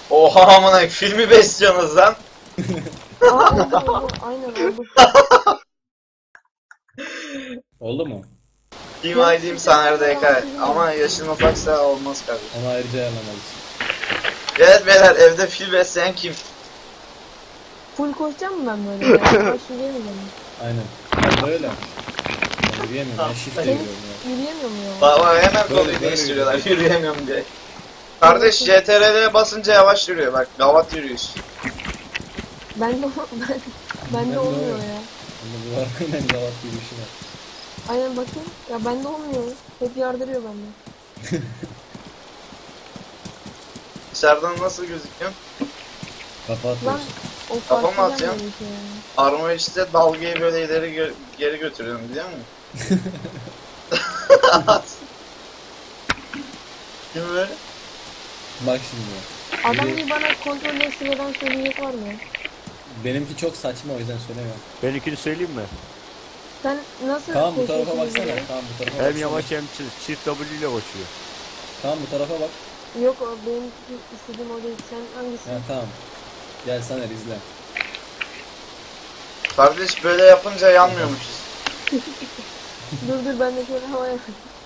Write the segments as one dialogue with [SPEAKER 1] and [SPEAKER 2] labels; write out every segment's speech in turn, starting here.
[SPEAKER 1] Oha amına filmi besliyorsunuz lan.
[SPEAKER 2] Aa oldu. Aynen oldu.
[SPEAKER 3] Oldu mu?
[SPEAKER 1] Team ID'm Saner DK. Ama yaşın ufaksa olmaz kardeşim.
[SPEAKER 3] Onu ayrıca ayarlamalısın.
[SPEAKER 1] Evet beyler, evde fil besleyen kim?
[SPEAKER 2] Full koşacağım mı ben böyle? Yavaş yürüyemeyeceğim.
[SPEAKER 3] Aynen. Ben böyle. Ben yürüyemiyorum. Ben shift
[SPEAKER 2] Seni
[SPEAKER 3] ediyorum ya.
[SPEAKER 2] yürüyemiyor mu ya?
[SPEAKER 1] Baba hemen
[SPEAKER 3] Böyle,
[SPEAKER 1] konuyu
[SPEAKER 3] böyle
[SPEAKER 1] değiştiriyorlar, yürüyemiyorum diye. Kardeş CTRL'ye basınca yavaş yürüyor bak, gavat yürüyüş.
[SPEAKER 2] Bende
[SPEAKER 3] Ben
[SPEAKER 2] olmuyor
[SPEAKER 3] de
[SPEAKER 2] ya.
[SPEAKER 3] Bunda bu var. Aynen zavat yürüyüşü var.
[SPEAKER 2] Aynen bakayım. Ya bende olmuyor. Hep yardırıyor bende.
[SPEAKER 1] Dışarıdan nasıl gözüküyor?
[SPEAKER 3] Kafa
[SPEAKER 2] Lan
[SPEAKER 3] atıyorsun.
[SPEAKER 2] o
[SPEAKER 1] Kafa mı
[SPEAKER 2] fark
[SPEAKER 1] atıyorsun?
[SPEAKER 2] gelmedi ki ya.
[SPEAKER 1] Armor işte dalgayı böyle ileri geri götürüyorum biliyor musun? Kim böyle?
[SPEAKER 3] Bak şimdi.
[SPEAKER 2] Adam
[SPEAKER 3] Biri-
[SPEAKER 2] bir bana kontrolleri sıradan söyleyecek var mı?
[SPEAKER 3] Benimki çok saçma, o yüzden söylemiyorum.
[SPEAKER 4] Benimkini söyleyeyim mi?
[SPEAKER 2] Sen nasıl
[SPEAKER 3] Tamam bu tarafa
[SPEAKER 2] koşuyorsun
[SPEAKER 3] baksana.
[SPEAKER 2] böyle?
[SPEAKER 3] Tamam bu tarafa
[SPEAKER 4] Hem
[SPEAKER 3] baksana.
[SPEAKER 4] yavaş hem çift W ile koşuyor.
[SPEAKER 3] Tamam bu tarafa bak.
[SPEAKER 2] Yok o benim istediğim o değil. Sen hangisi?
[SPEAKER 3] Ha tamam. Gel Saner izle.
[SPEAKER 1] Kardeş böyle yapınca yanmıyormuşuz.
[SPEAKER 2] Dur ben de şöyle havaya.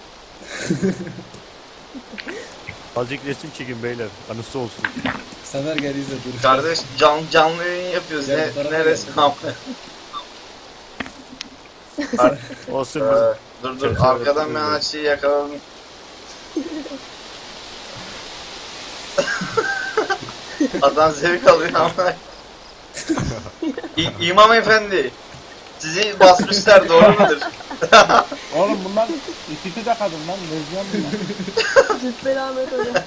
[SPEAKER 4] Azıcık resim çekin beyler. Anısı olsun.
[SPEAKER 3] Saner gel izle dur.
[SPEAKER 1] Kardeş canlı yayın yapıyoruz.
[SPEAKER 3] Gel bu tarafa
[SPEAKER 1] Neresi
[SPEAKER 3] gel.
[SPEAKER 1] ne yapıyor?
[SPEAKER 4] Olsun
[SPEAKER 1] Dur arkadan ben açıyı yakaladım. Adam zevk alıyor ama. İmam efendi, sizi basmışlar doğru mudur?
[SPEAKER 5] Oğlum bunlar ikisi de kadın lan. Lezbiyen bunlar.
[SPEAKER 2] Cübbeli Ahmet Hoca.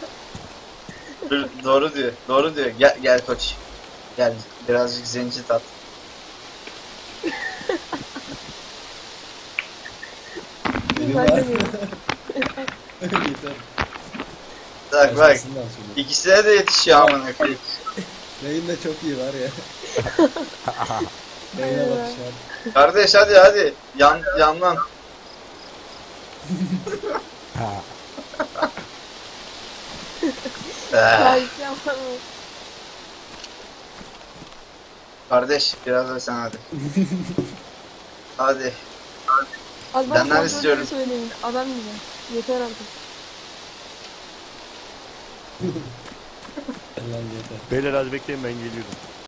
[SPEAKER 1] Doğru diyor. Gel koç. Gel birazcık zenci tat.
[SPEAKER 3] Benim
[SPEAKER 2] Ben
[SPEAKER 3] var.
[SPEAKER 2] de diyorum.
[SPEAKER 3] Yeter.
[SPEAKER 1] Bak
[SPEAKER 3] Başkasından söyle.
[SPEAKER 1] ikisine de yetişiyor amına koyayım.
[SPEAKER 3] Yayın da çok iyi var ya. Yayına bak şu an.
[SPEAKER 1] Kardeş hadi yandan.
[SPEAKER 2] Belki ama.
[SPEAKER 1] Kardeş biraz da sen hadi. Hadi.
[SPEAKER 2] Az
[SPEAKER 1] Benden
[SPEAKER 2] kontrolleri
[SPEAKER 1] istiyorum.
[SPEAKER 2] söyleyin. Adam gibi. Yeter artık.
[SPEAKER 3] Lan yeter.
[SPEAKER 4] Beyler az bekleyin ben geliyorum.